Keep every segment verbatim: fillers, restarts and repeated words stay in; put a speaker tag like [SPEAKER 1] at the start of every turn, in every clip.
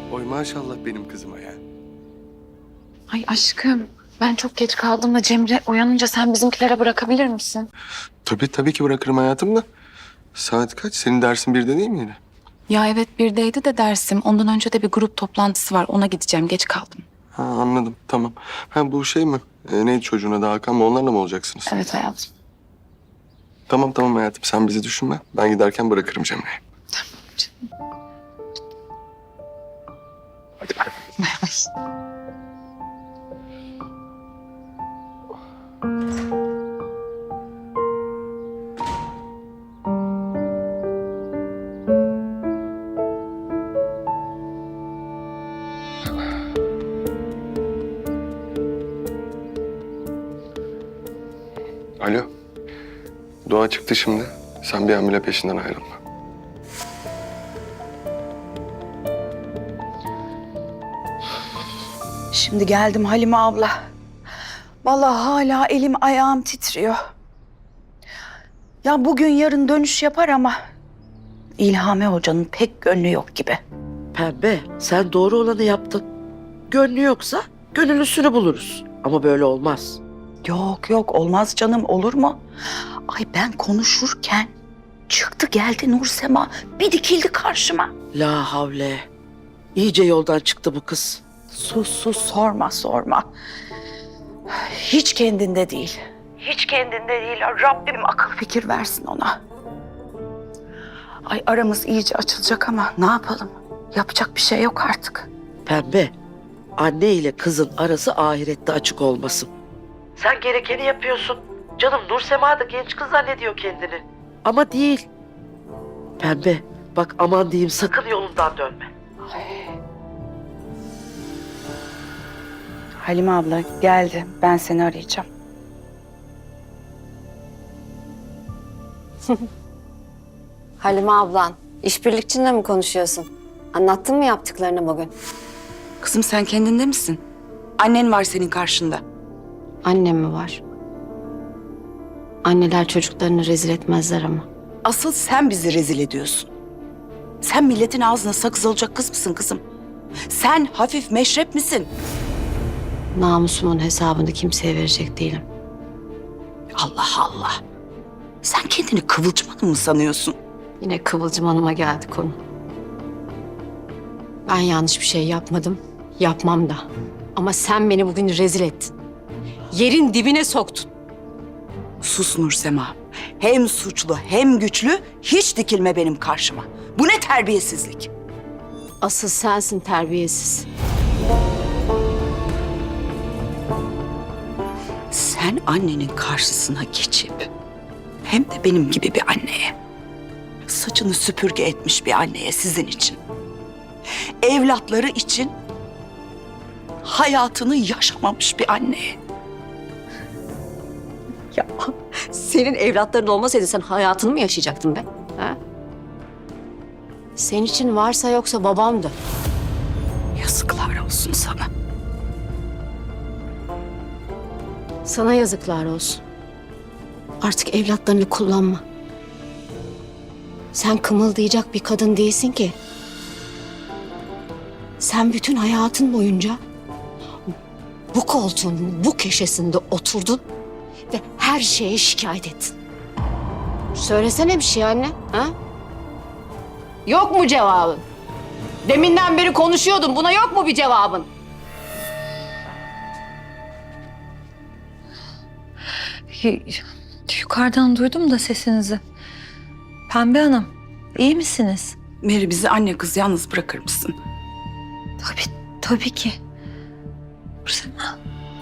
[SPEAKER 1] Oy maşallah benim kızıma ya.
[SPEAKER 2] Ay aşkım, ben çok geç kaldım da Cemre uyanınca sen bizimkilere bırakabilir misin?
[SPEAKER 1] Tabii tabii ki bırakırım hayatım da. Saat kaç? Senin dersin birde değil mi yine?
[SPEAKER 2] Ya evet birdeydi de dersim. Ondan önce de bir grup toplantısı var. Ona gideceğim. Geç kaldım.
[SPEAKER 1] Ha anladım tamam. Ha bu şey mi? Ee, neydi çocuğun adı Hakan mı? Onlarla mı olacaksınız?
[SPEAKER 2] Evet hayatım.
[SPEAKER 1] Tamam tamam hayatım sen bizi düşünme. Ben giderken bırakırım Cemre'yi. Hadi bay bay. Alo. Doğa çıktı şimdi. Sen bir hamile peşinden ayrılma.
[SPEAKER 3] Şimdi geldim Halime abla. Vallahi hala elim ayağım titriyor. Ya bugün yarın dönüş yapar ama İlhami Hoca'nın pek gönlü yok gibi.
[SPEAKER 4] Pembe, sen doğru olanı yaptın. Gönlü yoksa gönüllüsünü buluruz. Ama böyle olmaz.
[SPEAKER 3] Yok yok olmaz canım, olur mu? Ay ben konuşurken çıktı geldi Nursema, bir dikildi karşıma.
[SPEAKER 4] La havle. İyice yoldan çıktı bu kız.
[SPEAKER 3] Sus sus, sorma sorma. Hiç kendinde değil. Hiç kendinde değil. Rabbim akıl fikir versin ona. Ay aramız iyice açılacak ama ne yapalım? Yapacak bir şey yok artık.
[SPEAKER 4] Pembe, anne ile kızın arası ahirette açık olmasın. Sen gerekeni yapıyorsun. Canım Nursema da genç kız zannediyor kendini. Ama değil. Pembe, bak aman diyeyim sakın yolundan dönme.
[SPEAKER 3] Halime abla geldi. Ben seni arayacağım.
[SPEAKER 5] Halime ablan, işbirlikçinle mi konuşuyorsun? Anlattın mı yaptıklarını bugün?
[SPEAKER 3] Kızım sen kendinde misin? Annen var senin karşında.
[SPEAKER 5] Annem mi var? Anneler çocuklarını rezil etmezler ama.
[SPEAKER 3] Asıl sen bizi rezil ediyorsun. Sen milletin ağzına sakız olacak kız mısın kızım? Sen hafif meşrep misin?
[SPEAKER 5] Namusumun hesabını kimseye verecek değilim.
[SPEAKER 3] Allah Allah. Sen kendini Kıvılcım Hanım mı sanıyorsun?
[SPEAKER 5] Yine Kıvılcım Hanım'a geldi konu. Ben yanlış bir şey yapmadım, yapmam da. Ama sen beni bugün rezil ettin. Yerin dibine soktun.
[SPEAKER 3] Sus Nursema. Hem suçlu hem güçlü, hiç dikilme benim karşıma. Bu ne terbiyesizlik?
[SPEAKER 5] Asıl sensin terbiyesiz.
[SPEAKER 3] Sen annenin karşısına geçip hem de benim gibi bir anneye, saçını süpürge etmiş bir anneye sizin için, evlatları için hayatını yaşamamış bir anneye.
[SPEAKER 5] Ya senin evlatların olmasaydı sen hayatını mı yaşayacaktın be? Ha? Senin için varsa yoksa babamdı.
[SPEAKER 3] Yazıklar olsun sana.
[SPEAKER 5] Sana yazıklar olsun. Artık evlatlarını kullanma. Sen kımıldayacak bir kadın değilsin ki. Sen bütün hayatın boyunca bu koltuğun bu köşesinde oturdun ve her şeye şikayet ettin. Söylesene bir şey anne, ha? Yok mu cevabın? Deminden beri konuşuyordun. Buna yok mu bir cevabın?
[SPEAKER 6] Y- Yukarıdan duydum da sesinizi. Pembe Hanım, iyi misiniz?
[SPEAKER 3] Meri, bizi anne kız yalnız bırakır mısın?
[SPEAKER 6] Tabii, tabii ki. Nursema.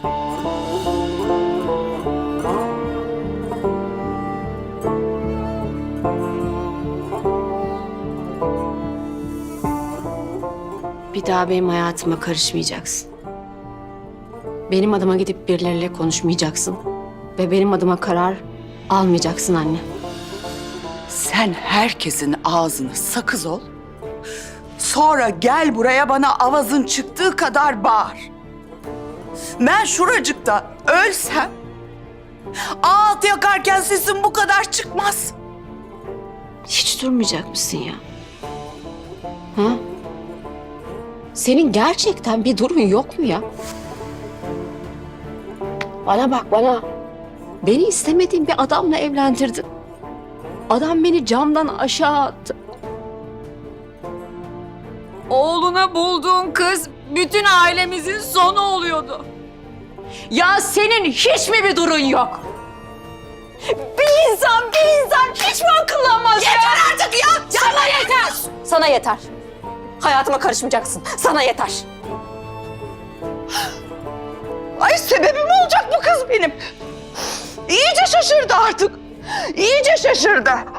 [SPEAKER 5] Bir daha benim hayatıma karışmayacaksın. Benim adıma gidip birileriyle konuşmayacaksın. Ve benim adıma karar almayacaksın anne.
[SPEAKER 3] Sen herkesin ağzını sakız ol. Sonra gel buraya bana avazın çıktığı kadar bağır. Ben şuracıkta ölsem ağıt yakarken sesim bu kadar çıkmaz.
[SPEAKER 5] Hiç durmayacak mısın ya? Ha? Senin gerçekten bir durun yok mu ya? Bana bak bana. Beni istemediğin bir adamla evlendirdin. Adam beni camdan aşağı attı. Oğluna bulduğun kız bütün ailemizin sonu oluyordu. Ya senin hiç mi bir durun yok? Bir insan, bir insan hiç mi akıllanmaz ya? Yeter artık ya! Sana yeter! Sana yeter. Hayatıma karışmayacaksın. Sana yeter.
[SPEAKER 3] Ay sebebim olacak bu kız benim. İyice şaşırdı artık. İyice şaşırdı.